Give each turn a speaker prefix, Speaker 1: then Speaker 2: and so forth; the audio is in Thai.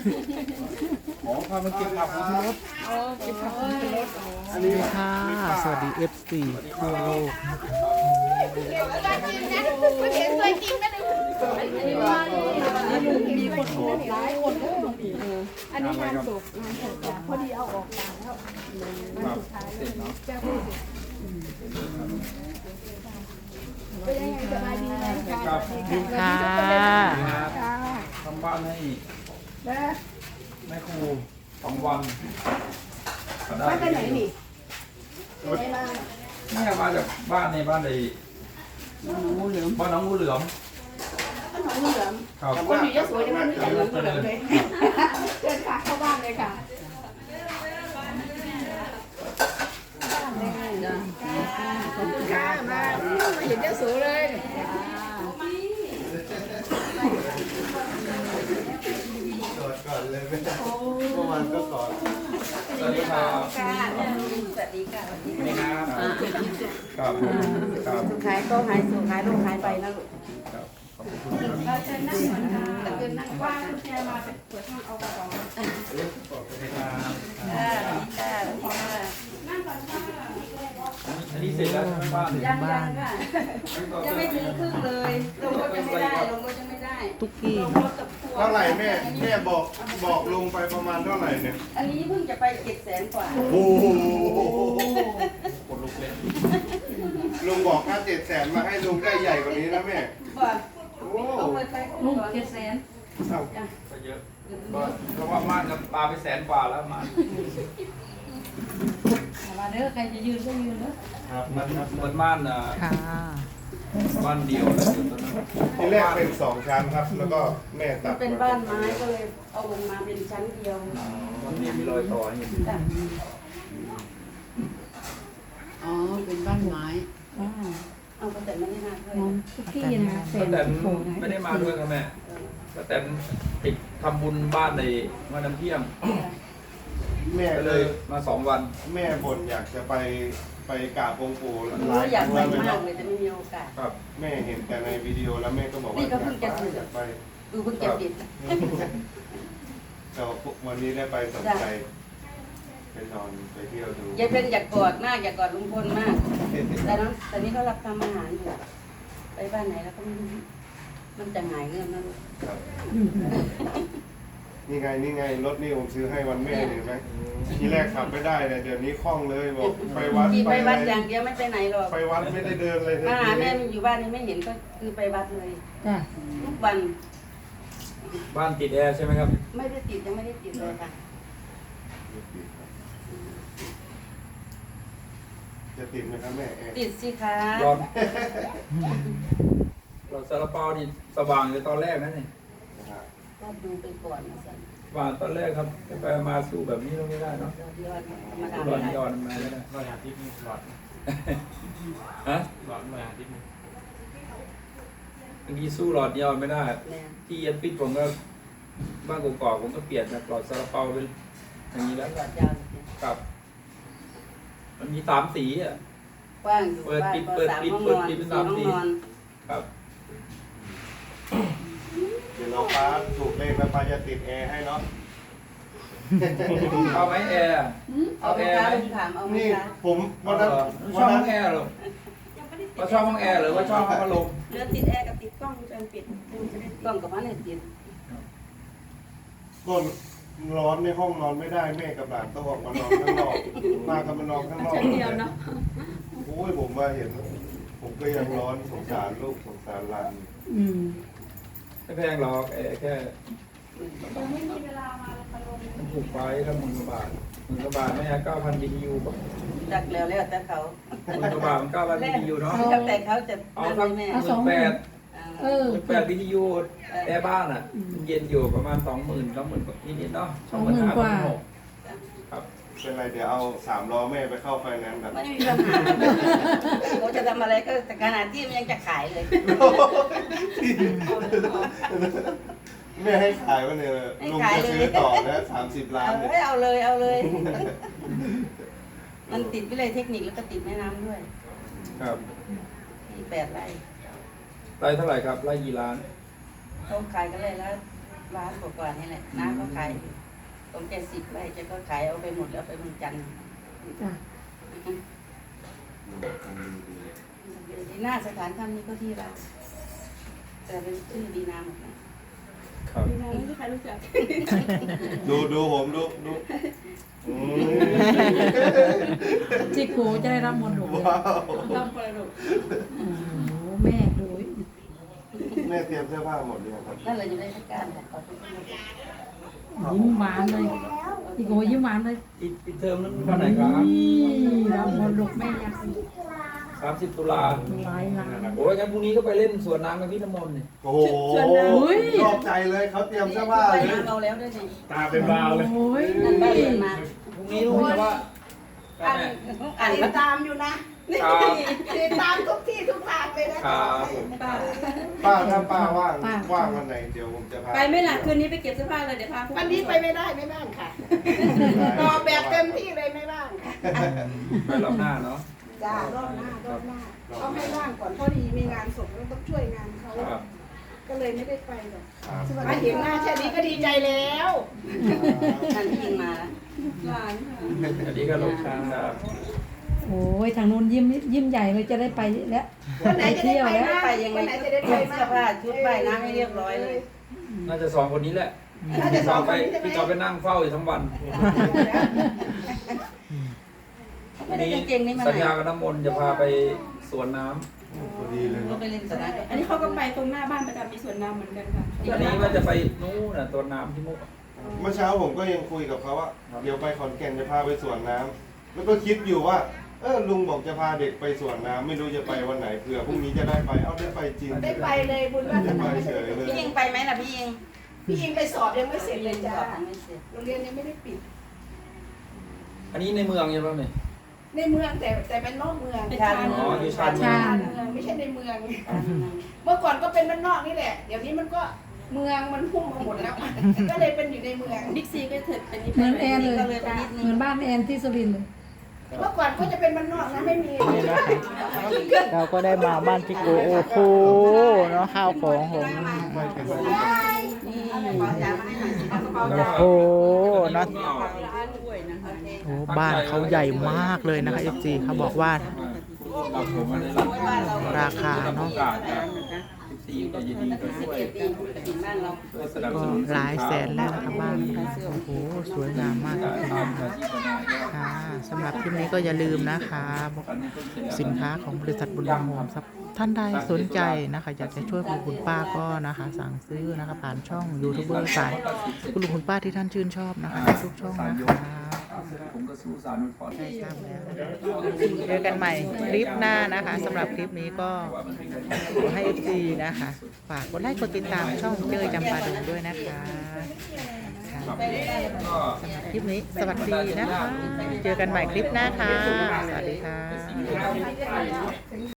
Speaker 1: อ๋อพามาเก็บผักของที่รถ
Speaker 2: โอ้เก็บผักเป็นรถ
Speaker 1: อันนี้
Speaker 3: ค่ะ สวัสดี FC ทั่วโลก
Speaker 2: มีคนโทรหลายคนเลยอันนี้งานศพจ้ะพอดีเอาออกต่างแล้ววันสุดท้ายแล้วจ้าพูดเป็นยังไงสบายดีไหมคะ
Speaker 1: ครับ
Speaker 3: ค่ะ
Speaker 2: ค่ะ
Speaker 1: ทำบ้านให้
Speaker 2: แล้ว
Speaker 1: แม่ครู2 วันก็ได้
Speaker 2: บ้านไปไหนนี่ไหนมา
Speaker 1: เนี่ยมาจากบ้านในบ้านใน
Speaker 2: งูเหลือม
Speaker 1: บ้านน้องงูเหลือม
Speaker 2: บ้านหนองงูเหลือม
Speaker 1: ครับ
Speaker 2: คนอยู่ยะโสยังไม่รู้จักหนองงูเหลือมเลยเดินค่ะเข้าบ้านเลยค่ะขอบคุณค่ะมาเห็นยะโสเลย
Speaker 4: กอดก่อนเลยไม่ได้เมื่อวานก็กอด
Speaker 1: สวัสดีครับ
Speaker 2: ค่ะสวัสดีค่ะ
Speaker 1: นี่ครับครับครับ
Speaker 2: สุขขายก็หายสุขขายลูกหายไปนะลูก
Speaker 1: ครับขอบคุณครับ
Speaker 2: เราจะนั่งก่อนค่ะแต่เป็นนั่งว่างคุณแจมาเป็นเปิดห้องเอากระเป๋า
Speaker 1: อันนี้เสร็จแล้วใช่ไหมบ้าน
Speaker 2: ยังยังค่ะยังไม่ถึงครึ่งเลยลงรถยังไม่ได้ลงรถยังไม่ได้
Speaker 3: ตุ๊กกี้
Speaker 2: ลงรถกับทัวร์
Speaker 4: เท่าไหร่แม่บอกลงไปประมาณเท่าไหร่เนี่ย
Speaker 2: อันนี้เพิ่งจะไป700,000 กว่า
Speaker 4: โอ้โห
Speaker 1: กดลุกเลย
Speaker 4: ลุงบอกถ้า700,000มาให้ลุงได้ใหญ่กว่านี้นะแม่
Speaker 2: บ่
Speaker 4: โอ้
Speaker 2: เอาเงินไปลุง700,000
Speaker 4: เอ้า
Speaker 1: ก็เยอะเพราะว่าม่านกับปลาไป100,000 กว่าแล้วม่าน
Speaker 2: มาเด้อใครจะยืนก็ยืนเด้อ
Speaker 1: ครับมันม่าน
Speaker 3: ค่ะ
Speaker 1: บ้านเดียวแล้วอยู่ตอนนั้น
Speaker 4: ที่แรกเป็น2 ชั้นครับ แล้วก็แม่ตัด
Speaker 2: เป็นบ้านไม้ก็เลยเอาลงมาเป็นชั้นเดียว
Speaker 1: มันมีรอยต่ออย่างนี้
Speaker 2: จ้ะ
Speaker 5: อ๋อ เป็นบ้านไม้
Speaker 2: เอาก็แต่ไม่ได้มาเลย
Speaker 5: ทุกที่นะ
Speaker 1: ป้าแตนไม่ได้มาด้วยครับแม่ป้าแตนติดทำบุญบ้านในวันน้ำเที่ยง
Speaker 4: แม่
Speaker 1: ก็
Speaker 4: เล
Speaker 1: เลย ยมา2 วัน
Speaker 4: แม่บ่นอยากจะไปกราบองค์ปู่ห
Speaker 2: หนู
Speaker 4: ลาย
Speaker 2: อยาก
Speaker 4: ค
Speaker 2: ไป
Speaker 4: รั้งแล้ว
Speaker 2: มาก
Speaker 4: เนาะ
Speaker 2: เลยแต่ไม่มีโอกาส
Speaker 1: ครับ
Speaker 4: แม่เห็นแต่ในวิดีโอแล้วแม่ก็บอกว่า
Speaker 2: นี่ก็เพิ่งจะซื้อ
Speaker 4: อยากไป
Speaker 2: ดูเพิ่งเก็บติด
Speaker 4: แต่วันนี้ได้ไปสนใจไปนอนไปเที่ยวดู
Speaker 2: ยายเป็นอยากกอดมากอยากกอดลุงพลมาก แต่นั้นตอนนี้เขารับทำอาหารอยู่ไปบ้านไหนแล้วก็ไม่รู้มันจะหายเงื่อนนะลูก
Speaker 4: ครับนี่ไงรถนี่ผมซื้อให้วันแม่เห็นไหมทีแรกขับไม่ได้เลยเดี๋ยวนี้คล่องเลยบอกไปวัด
Speaker 2: ขี่ไปวัด
Speaker 4: อะไร
Speaker 2: อย่างเดียวไม่ไปไหนหรอก
Speaker 4: ไปวัดไม่ได้เดินเลย
Speaker 2: มาหาแม่
Speaker 4: ที
Speaker 2: มันอยู่บ้านนี่ไม่เห็นก็คือไปวัดเลย
Speaker 5: จ้ะ
Speaker 2: ทุกวัน
Speaker 1: บ้านติดแอร์ใช่ไหมครับ
Speaker 2: ไม่ได้ติดยังไม่ได้ติดเลยค่ะ
Speaker 4: จะติดไหมครับแม่แอร์
Speaker 2: ติดสิคะ
Speaker 1: ร้อนเราซาลาเปานี่สว่างเลยตอนแรกนั่นนี่
Speaker 4: นะครับ
Speaker 2: ก็ดูไปก่อนนะสัน
Speaker 1: สว่างตอนแรกครับไปมาสู้แบบนี้เราไม่ได้เนาะ
Speaker 2: ยอดธรรมดา
Speaker 1: ร้อน
Speaker 2: ไม่
Speaker 1: ย้อ
Speaker 2: ได้
Speaker 1: นมาไม่ได้
Speaker 6: รอยอาทิตย์นี่หลอด
Speaker 1: ฮะ
Speaker 6: หลอดรอยอาทิตย์นี่
Speaker 1: บางทีสู้หลอดย้อนไม่ได้
Speaker 2: เนี่ย
Speaker 1: ที่เอ็นปิดผมก็บ้านกอกๆผมก็เปลี่ยนจากหลอดซาลาเปาเป็นอย่างนี้แล้ว
Speaker 2: หลอดยาวเนี่ย
Speaker 1: ครับ มันมี3 สีอ่ะ
Speaker 2: กว้างอยู่
Speaker 1: เปิด
Speaker 2: บ้าน
Speaker 1: ปิด
Speaker 2: ก็
Speaker 1: เปิด
Speaker 2: 3
Speaker 1: ปิด
Speaker 2: ห้อง
Speaker 1: เปิ
Speaker 2: น
Speaker 1: ด
Speaker 2: อน
Speaker 1: ปิดเป็น
Speaker 2: 4 ห้อง
Speaker 1: 3 สี
Speaker 2: นอน
Speaker 1: ครับ
Speaker 4: เดี๋ยวน้องฟ้าถูกเลขแล้วฟ้าจะติดแอร์ให้เนาะ
Speaker 1: เอาไหมแอร์
Speaker 2: เอาไหมคะลุงถามเอาไหม
Speaker 4: นี่
Speaker 2: คะ
Speaker 4: ผมวันนั้น
Speaker 1: ชอบห้องแอร์เหรอว่าชอบห้องแอร์หรือว่าชอบห้องพัดลม
Speaker 2: เหลือติดแอร์กับติดกล้องวงจรปิดกล้องกับมันเนี่ยติด
Speaker 4: ก็ร้อนในห้องนอนไม่ได้แม่กับหลานต้องออกมานอนข้างนอกมากับมานอนข้างนอกเดียวเนาะโอ้ยผมว่าเห็น ผมก็ยังร้อนสงสารลูกสงสารหลาน
Speaker 5: อืม
Speaker 1: ไม่แพงหรอกแอร์แค่มันถูกไปแล้ว10,000 บาทไม่ใช่9,000 BTU ป่ะ
Speaker 2: จักแล้วแล้วแต่เขา
Speaker 1: 10,000 บาทมัน9,000 BTU เนาะ
Speaker 2: แล้วแต่เขาจะ
Speaker 1: เอา
Speaker 2: นั่น
Speaker 1: สัก
Speaker 2: แม่
Speaker 5: เออ
Speaker 1: 18 BTU แอร์บ้านอ่ะมันเย็นอยู่ประมาณ 20,000 นิดๆเนาะ
Speaker 5: 20,000 กว่า
Speaker 1: ครับ
Speaker 4: เป็นไรเดี๋ยวเอา3 ล้อแม่ไปเข้าไฟแนนซ์แบบ
Speaker 2: ไม่มีปัญหาเขาจะทำอะไรก็แต่ขนาดที่มันยังจะขายเลย
Speaker 4: แม่ให้ขายวันเนี่ยลุงจะซื้อต่อนะ30 ล้านเนี่ย
Speaker 2: เอาเลยเอาเลย มันติดวิเลยเทคนิคแล้วก็ติดแม่น้ำด้วย
Speaker 1: ครับ
Speaker 2: ที่8 ไร่
Speaker 1: ไร่เท่าไหร่ครับไร่กี่ล้าน
Speaker 2: เขาขายกันเลยแล้วล้านกว่าๆนี่แหละน้าก็ขายตรงแก10 ไร่แกก็ขายเอาไปหมดแล้วไปเมืองจันทร์
Speaker 5: จ้ะ
Speaker 2: ดีน่าสถานถ้ำนี้ก็ที่เราแต่เป็นชื่อดีนาหมดนะครับ
Speaker 7: ดีนะไม่มีใครรู้จัก
Speaker 4: ดูผมดูอืม
Speaker 5: จิโกจะได้รับมรดกเลย
Speaker 4: ว้าว
Speaker 7: รับมรดก
Speaker 5: โอ้โหแม่ดู
Speaker 4: แม่เตรียมเสื้อผ้าหมดเลยงครับ
Speaker 2: นั่นเลยอยู่ในราชการเนี่ยขอทุกคน
Speaker 5: ยิ้มหวานเลยจิโกยิ้มหวานเลย
Speaker 1: อีกเทอมนั้นวันไหนครับ
Speaker 5: นี่รับมรดกแม่ยัง
Speaker 1: 30 ตุลา
Speaker 5: หลายล้าน
Speaker 1: โอ้ยงั้นพรุ่งนี้ก็ไปเล่นสวนน้ำกับพี่น้ำมนต์นี่
Speaker 4: โอ้โหชอบใจเลยเขาเตรียมเสื้อผ้า
Speaker 2: ไป
Speaker 4: เลย
Speaker 2: น้าเราแล้วด้วยนี่
Speaker 6: ตาเป็นบาวเลย
Speaker 5: โอ้ย
Speaker 2: นั่นบ้านเรียนมา
Speaker 1: พรุ่งนี้รู้ไหมว่า
Speaker 2: อ่านอ่าน
Speaker 7: ติดตามอยู่นะครับ ติดตามทุกที่ทุกทางเลยนะครับ
Speaker 1: ผม
Speaker 7: ป้า
Speaker 4: ถ้าป้าว่างวันไหนเดี๋ยวผมจะพา
Speaker 7: ไปไหม่ล่ะคืนนี้ไปเก็บเสื้อผ้าเลยเดี๋ยวพาวันนี้ไปไม่ได้ไม่บ้างค่ะต่อแบบเต็มที่เลยไม่บ้างค่ะ
Speaker 1: ไปรอบหน้าเนาะ
Speaker 7: จ้ารอบหน้ต้องให้ว่างก่อนพอดีมีงานศพแล้วต้องช่วยงานเขา
Speaker 1: ครับ
Speaker 7: ก็เลยไม่ได้ไปหรอก
Speaker 4: ครับ
Speaker 7: มาเห็นหน้าแค่นี้ก็ดีใจแล้ว
Speaker 2: นั่นที่ยิงมาแล้ว
Speaker 7: หลานค่ะ
Speaker 1: อันนี้ก็ลงช้างครับ
Speaker 5: โอ้ยทางนู้นยิ้มใหญ่เลยจะได้ไปแล้ว
Speaker 7: วันไหนจะได้ไป
Speaker 5: แล้ว
Speaker 7: นะ
Speaker 2: ไปยังไง
Speaker 7: วันไหน
Speaker 2: ก็
Speaker 7: จะ
Speaker 2: เต
Speaker 7: ได้
Speaker 2: รี
Speaker 7: ไป
Speaker 2: ยมเสื้อผ้าชุดใบน้ำให้เรียบร้อยเลย
Speaker 1: น่าจะ2 คนนี้แหละ
Speaker 7: น่าจะสองคนนี้ใช่ไหม
Speaker 1: พี่จอไปนั่งเฝ้าอยู่ทั้งวัน
Speaker 2: ไม่ได้เก่งๆนี่มา
Speaker 1: สัญ
Speaker 2: ไหน
Speaker 1: ญากับน้ำมนต์จะพาไปสวนน้ำ
Speaker 4: พอดีเลย
Speaker 2: ก็
Speaker 4: เนาะ
Speaker 2: ไปเล่นสนาม
Speaker 7: อันนี้เขาก็ไปตรงหน้าบ้านประจำมีสวนน้ำเหมือนกันค่ะ
Speaker 1: อันนี้ว่าจะไปนู้นน่ะตัวน้ำที่มุก
Speaker 4: เมื่อเช้าผมก็ยังคุยกับเขาว่าเดี๋ยวไปขอนแก่นจะพาไปสวนน้ำแล้วก็คิดอยู่ว่าลุงบอกจะพาเด็กไปสวนน้ำไม่รู้จะไปวันไหนเผื่อพรุ่งนี้จะได้ไปได้ไปจริง
Speaker 7: ได้ไปเลยบุญวาส
Speaker 4: ได้
Speaker 7: นา
Speaker 4: ไปเฉยเลย
Speaker 2: พี่ยิงไปไหมล่ะพี่ยิง
Speaker 7: พี่ยิงไปสอบยังไม่เสร็จเลยจ้า
Speaker 2: ไม่เสร็จ
Speaker 7: โรงเรียนยังไม่ได้ปิด
Speaker 1: อันนี้ในเมืองใช่ไหมเนี่ย
Speaker 7: ในเมืองแต่เป็นนอกเมือง
Speaker 1: อ๋ออยู่ชานเมื
Speaker 5: ชา
Speaker 1: อง
Speaker 5: ญ
Speaker 7: เมืองไม่ใช่ในเมือง เมื่อก่อนก็เป็นบ้านนอกนี่แหละ เดี๋ยวนี้มันก็เมืองมันพุ่งมาหมดแล้ว ก็เลยเป็นอยู่ในเมืองบิ๊กซีก็เถิดเป็น
Speaker 5: เหมือนแอนเลยเหมือนบ้านแอนที่สุรินทร์เลย
Speaker 7: เมื่อก่อนก็จะเป็นบ้านนอกนะไม่มี
Speaker 3: เราก็ได้มาบ้านจิโกโอ้โหเนาะข้าวของผม
Speaker 2: นี่ขอจานมาให้หน่อยสิเอากระเป๋า
Speaker 3: โอ้
Speaker 2: จาน
Speaker 3: โหเนาะโอ้บ้านเขาใหญ่มากเลยนะคะ FC เขาบอกว่า ราคาเนาะ
Speaker 1: 14ก็ยินดีก็ช่วย
Speaker 2: ดีบ้านเรา
Speaker 1: ช่วยสนับ
Speaker 3: ก็
Speaker 1: สนุน
Speaker 3: หลายแสนแล้วนะคะบ้านโอ้โหสวยงามมากเลย
Speaker 1: ตามอาชีพนายก็
Speaker 3: ค่ะสำหรับคลิปนี้ก็อย่าลืมนะคะสินค้าของบริษัทบุญรวมทรัพย์ท่านใดสนใจนะคะอยากจะช่วยคุณป้าก็นะคะ สั่งซื้อนะคะผ่านช่องยูทูบเบอร์สายคุณลุงคุณป้าที่ท่านชื่นชอบนะคะทุกช่องนะคะ
Speaker 1: ผมก็สู้สารนุพร
Speaker 3: ได้ทราบแล้วนะคะเจอกันใหม่คลิปหน้านะคะสำหรับคลิปนี้ก็ขอให้ FC นะคะฝากกดไลค์กดติดตามช่องเจอจำปาดงด้วยนะคะค่ะ
Speaker 1: ก็
Speaker 3: คลิปนี้สวัสดีนะคะ เจอกันใหม่คลิปหน้าค่ะ สวัสดีค่ะ